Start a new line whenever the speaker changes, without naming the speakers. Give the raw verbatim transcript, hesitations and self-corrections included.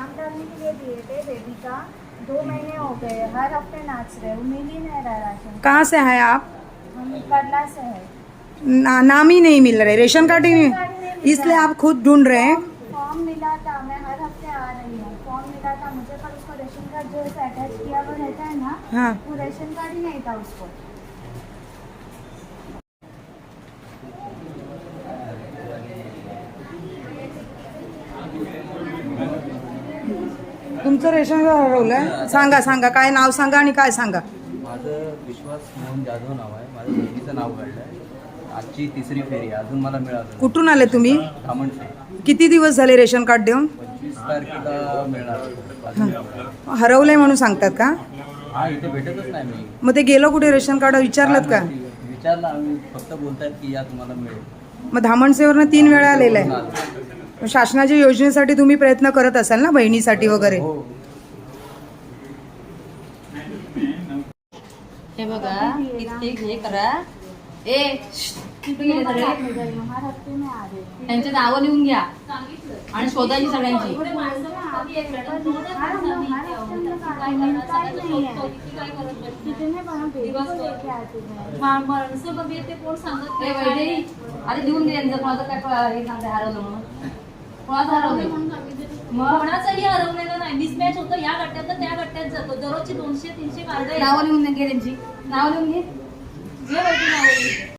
नाम डालने के लिए दिए थे बेबी का, दो महीने हो गए, हर हफ्ते नाच रहे, वो मिल ही नहीं रहा राशन।
कहाँ से है आप?
हम करला से है।
ना, नाम ही नहीं मिल रहे, रेशन कार्ड ही
रेशन कार्ड ही
नहीं,
नहीं मिल
इसलिए
रहा।
आप खुद ढूंढ रहे हैं।
फॉर्म फॉर्म मिला था, मैं हर हफ्ते आ रही हूँ, फॉर्म मिला था मुझे, पर उसको रेशन कार्ड जो है अटैच किया हुआ रहता है ना,
हाँ।
वो रेशन कार्ड ही नहीं था उसको।
तुमचं रेशन कार्ड हरवलंय? सांगा सांगा, काय नाव सांगा आणि काय सांगा.
माझं विश्वास मोहन जाधव नाव आहे. माझ्या बहिणीचं नाव काढलं आहे. आजची तिसरी फेरी आहे, अजून मला मिळालं.
कुठून आले तुम्ही?
धामणचे.
किती दिवस झाले रेशन कार्ड देऊन?
पंचवीस तारखेला मिळणार.
हरवलंय म्हणून सांगतात का?
हा, इथे भेटतच नाही मी.
मग ते गेलं कुठे रेशन कार्ड विचारलं का?
विचारलं आम्ही, फक्त बोलतायत की या तुम्हाला मिळेल.
मग धामणसेवरनं तीन वेळा आलेलं आहे. मग शासनाच्या योजनेसाठी तुम्ही प्रयत्न करत असाल ना, बहिणीसाठी वगैरे?
हो.
हे बघा, इथे हे करा. ए कुठे गेले सगळे?
हर हफ्ते में आ रही हूँ।
त्यांचे नावं लिहून घ्या आणि शोधायची सगळ्यांची. ए वैदेही, आधी लिहून घे यांचं कोणाचं काय प- हे सांगते हरवलं म्हणून. कोणाचं हरवलं? मग
कोणाचंही हरवलेलं नाही. मिसमॅच होतं, या गट्ट्यात त्या गट्ट्यात जातो. दररोजची दोनशे तीनशे कार्ड
नावं लिहून घे त्यांची. नाव लिहून घे.
घे वैद्य नावं.